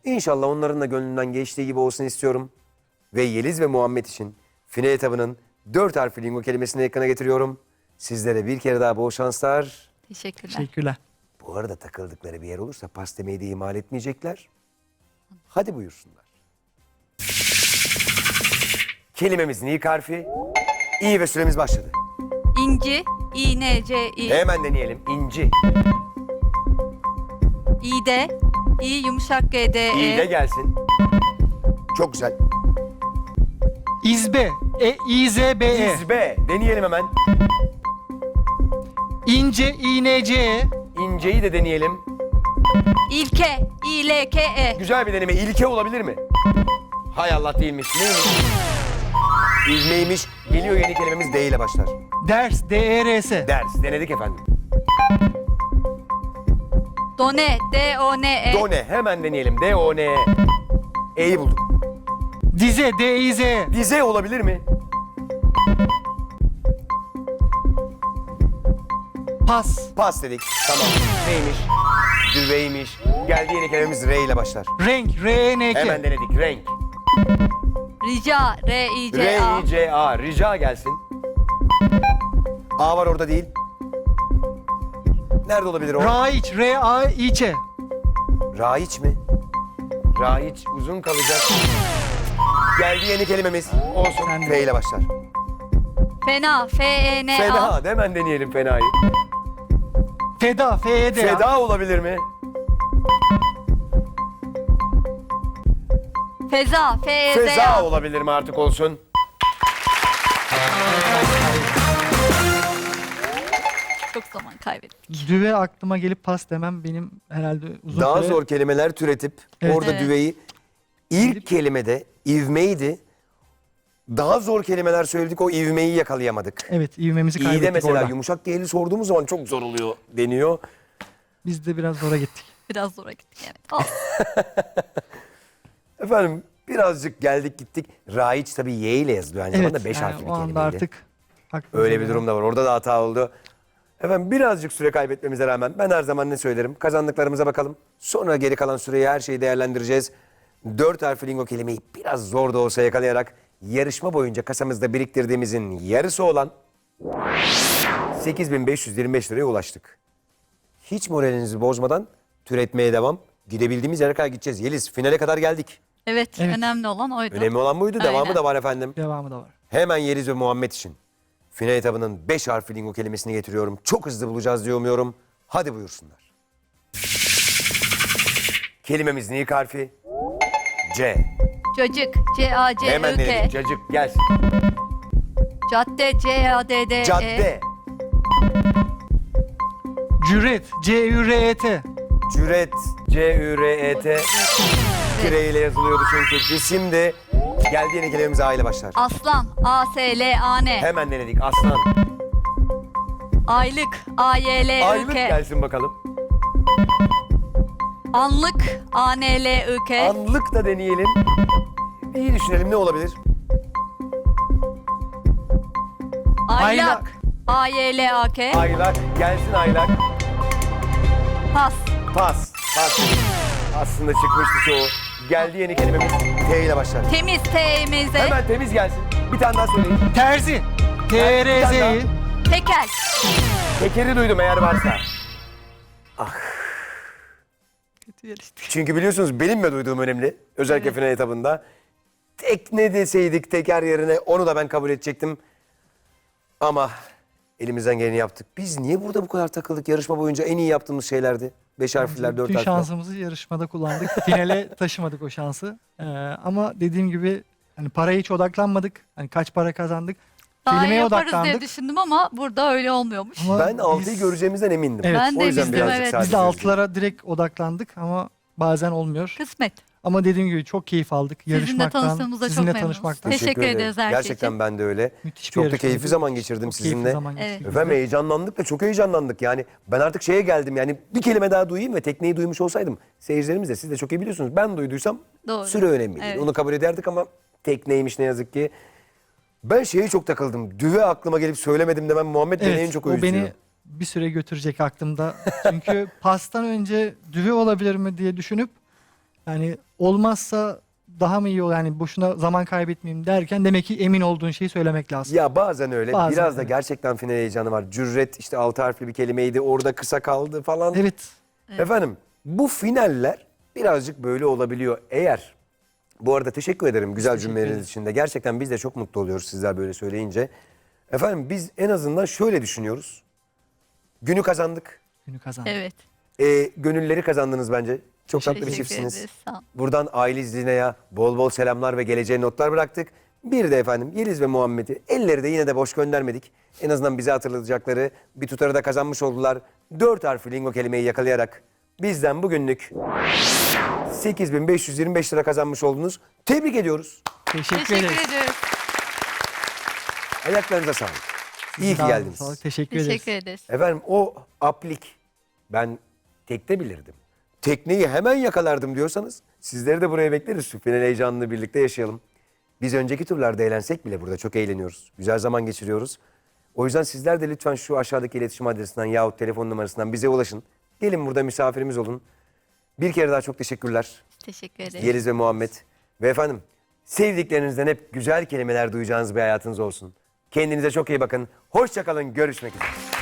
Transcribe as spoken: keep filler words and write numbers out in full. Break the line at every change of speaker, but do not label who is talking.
İnşallah onların da gönlünden geçtiği gibi olsun istiyorum. Ve Yeliz ve Muhammed için final etabının dört harfli lingo kelimesini ekrana getiriyorum. Sizlere bir kere daha bol şanslar.
Teşekkürler.
Teşekkürler.
Bu arada takıldıkları bir yer olursa pas demeyi de ihmal etmeyecekler. Hadi buyursunlar. Kelimemizin ilk harfi İ ve süremiz başladı.
İnci, İ, N, C, İ.
Hemen deneyelim. İnci.
İde, İ, yumuşak G, D, E.
İ de gelsin. Çok güzel.
İzbe. E, İ, Z, B, E.
İzbe. Deneyelim hemen.
İnce, İ, N, C, E.
İnceyi de deneyelim.
İlke, İ, L, K, E.
Güzel bir deneme. İlke olabilir mi? Hay Allah değilmiş. Neymiş? İzmeymiş. Geliyor yeni kelimemiz D ile başlar.
Ders, D, E, R, S.
Ders. Denedik efendim.
Done, D, O, N, E.
Done. Hemen deneyelim. D, O, N, E. E'yi bulduk.
Dize, D, İ, Z, E.
Dize olabilir mi?
Pas.
Pas dedik. Tamam. Neymiş? Düveymiş. Geldi yeni kelimemiz R ile başlar.
Renk, R, E, N, K.
Hemen denedik. Renk.
Rica, R, I, C,
R,
A.
I, C, A. Rica gelsin. A var orada değil. Nerede olabilir o?
Raiç, R, A, İ, Ç.
Raiç mi? Raiç uzun kalacak. Geldi yeni kelimemiz. Olsun.
Sen de.
F ile başlar.
Fena, F, E, N, A.
Fena. Hemen deneyelim fenayı.
Feda, F, E, D, A.
Feda olabilir mi?
Feza, F, E, Z,
Feza
A.
olabilir mi artık olsun?
Çok zaman kaybettik.
Düve aklıma gelip pas demem benim herhalde uzun
Daha
süre...
zor kelimeler türetip
Evet.
orada
Evet.
düveyi ilk kelimede ivmeydi. Daha zor kelimeler söyledik, o ivmeyi yakalayamadık.
Evet, ivmemizi kaybettik
İyi de mesela
orada.
yumuşak G'li sorduğumuz zaman çok zor oluyor deniyor.
Biz de biraz zora gittik.
Biraz zora gittik evet. Olsun.
Efendim birazcık geldik gittik. Raiç tabii Y ile yazılıyor aynı zamanda beş
yani
harfli bir
o anda
kelimeydi.
artık aklımıza
Öyle bir
gelen-
durum da var. Orada da hata oldu. Efendim birazcık süre kaybetmemize rağmen ben her zaman ne söylerim? Kazandıklarımıza bakalım. Sonra geri kalan süreyi her şeyi değerlendireceğiz. Dört harfli lingo kelimeyi biraz zor da olsa yakalayarak yarışma boyunca kasamızda biriktirdiğimizin yarısı olan sekiz bin beş yüz yirmi beş liraya ulaştık. Hiç moralinizi bozmadan türetmeye devam. Gidebildiğimiz yere kadar gideceğiz. Yeliz finale kadar geldik.
Evet,
Evet.
önemli olan oydu.
Önemli olan buydu.
Aynen.
Devamı da var efendim.
Devamı da var.
Hemen Yeliz ve Muhammed için final etabının beş harfli lingo kelimesini getiriyorum. Çok hızlı bulacağız diye umuyorum. Hadi buyursunlar. Kelimemizin ilk harfi C.
Çocuk, C, A, C,
Hemen
I, K.
denedik. Cacık gelsin.
Cadde, C, A, D, D, E.
Cadde.
Cüret, C, Ü, R, E, T.
Cüret. C, Ü, R, E, T. Kire ile yazılıyordu çünkü. Cisim de geldi yeni kelimemiz A ile başlar.
Aslan, A, S, L, A, N.
Hemen denedik. Aslan.
Aylık, A, Y, L, I,
Aylık
K.
gelsin bakalım.
Anlık, A, N, L, I, K.
Anlık da deneyelim. İyi düşünelim ne olabilir?
Aylak, A, Y, L, A, K.
Aylak. Gelsin aylak.
Pas,
Pas. Pas. Aslında çıkmıştı çoğu. Geldi yeni kelimemiz T ile başlar.
temiz, T, M, Z.
Hemen temiz gelsin. Bir tane daha söyleyin.
Terzi, T, R, Z, I.
Tekel,
Tekeri duydum eğer varsa.
kötü yarıştık.
Çünkü biliyorsunuz benim de duyduğum önemli. Özellikle final etabında. Tekne deseydik teker yerine onu da ben kabul edecektim. Ama elimizden geleni yaptık. Biz niye burada bu kadar takıldık? Yarışma boyunca en iyi yaptığımız şeylerdi. Beş harfler, dört
Bütün
harfler.
şansımızı yarışmada kullandık. Finale taşımadık o şansı. Ee, ama dediğim gibi hani paraya hiç odaklanmadık. Hani kaç para kazandık.
Daha iyi
Kelimeye
yaparız diye
odaklandık.
düşündüm ama burada öyle olmuyormuş.
Ama
Ben altıyı
biz-
göreceğimizden emindim.
Evet.
Ben de
O yüzden
emindim,
birazcık
evet.
sadece
Biz de
üzüldüm.
altılara direkt odaklandık ama bazen olmuyor.
Kısmet.
Ama dediğim gibi çok keyif aldık.
Sizinle
Yarışmaktan,
tanıştığımızda çok
sizinle
memnunuz.
tanışmaktan.
Teşekkür
Teşekkür ederim.
ederiz her şey
Gerçekten
için.
ben de öyle.
Müthiş bir
Çok da
yarışmaydı.
keyifli zaman geçirdim
Çok keyifli
sizinle.
zaman geçirdik
Evet.
biz de.
Efendim heyecanlandık da çok heyecanlandık yani. Ben artık şeye geldim yani bir kelime daha duyayım ve tekneyi duymuş olsaydım. Seyircilerimiz de siz de çok iyi biliyorsunuz. Ben duyduysam
Doğru.
süre önemli değil.
Evet.
Onu kabul ederdik ama tekneymiş ne yazık ki. Ben şeye çok takıldım. Düve aklıma gelip söylemedim demem Muhammed beni en
Evet,
çok
o
üzüyor.
beni bir süre götürecek aklımda. Çünkü pastan önce düve olabilir mi diye düşünüp Yani olmazsa daha mı iyi olur? Yani boşuna zaman kaybetmeyeyim derken demek ki emin olduğun şeyi söylemek lazım.
Ya bazen öyle.
Bazen,
Biraz da
evet.
gerçekten final heyecanı var. Cüret işte altı harfli bir kelimeydi. Orada kısa kaldı falan.
Evet.
Efendim bu finaller birazcık böyle olabiliyor. Eğer bu arada teşekkür ederim güzel
teşekkür
cümleleriniz
ederiz.
için de. Gerçekten biz de çok mutlu oluyoruz sizler böyle söyleyince. Efendim biz en azından şöyle düşünüyoruz. Günü kazandık.
Günü kazandı.
Evet.
Ee, gönülleri kazandınız bence. Çok tatlı bir
Teşekkür
çiftsiniz.
ederiz. Sağ ol.
Buradan aile Zine'ye bol bol selamlar ve geleceğe notlar bıraktık. Bir de efendim Yeliz ve Muhammed'i elleri de yine de boş göndermedik. En azından bize hatırlatacakları bir tutarı da kazanmış oldular. Dört harfli lingo kelimeyi yakalayarak bizden bugünlük sekiz bin beş yüz yirmi beş lira kazanmış oldunuz. Tebrik ediyoruz.
Teşekkür,
Teşekkür
ederiz.
ediyoruz.
Ayaklarınıza sağlık. İyi ki
Sağ olun,
geldiniz.
sağ olun. Teşekkür, ederiz.
Teşekkür ederiz.
Efendim o aplik ben tekte bilirdim. Tekneyi hemen yakalardım diyorsanız sizleri de buraya bekleriz. Şu final heyecanını birlikte yaşayalım. Biz önceki turlarda eğlensek bile burada çok eğleniyoruz. Güzel zaman geçiriyoruz. O yüzden sizler de lütfen şu aşağıdaki iletişim adresinden yahut telefon numarasından bize ulaşın. Gelin burada misafirimiz olun. Bir kere daha çok teşekkürler.
Teşekkür ederiz.
Yeliz ve Muhammed. Ve efendim sevdiklerinizden hep güzel kelimeler duyacağınız bir hayatınız olsun. Kendinize çok iyi bakın. Hoşça kalın. Görüşmek üzere.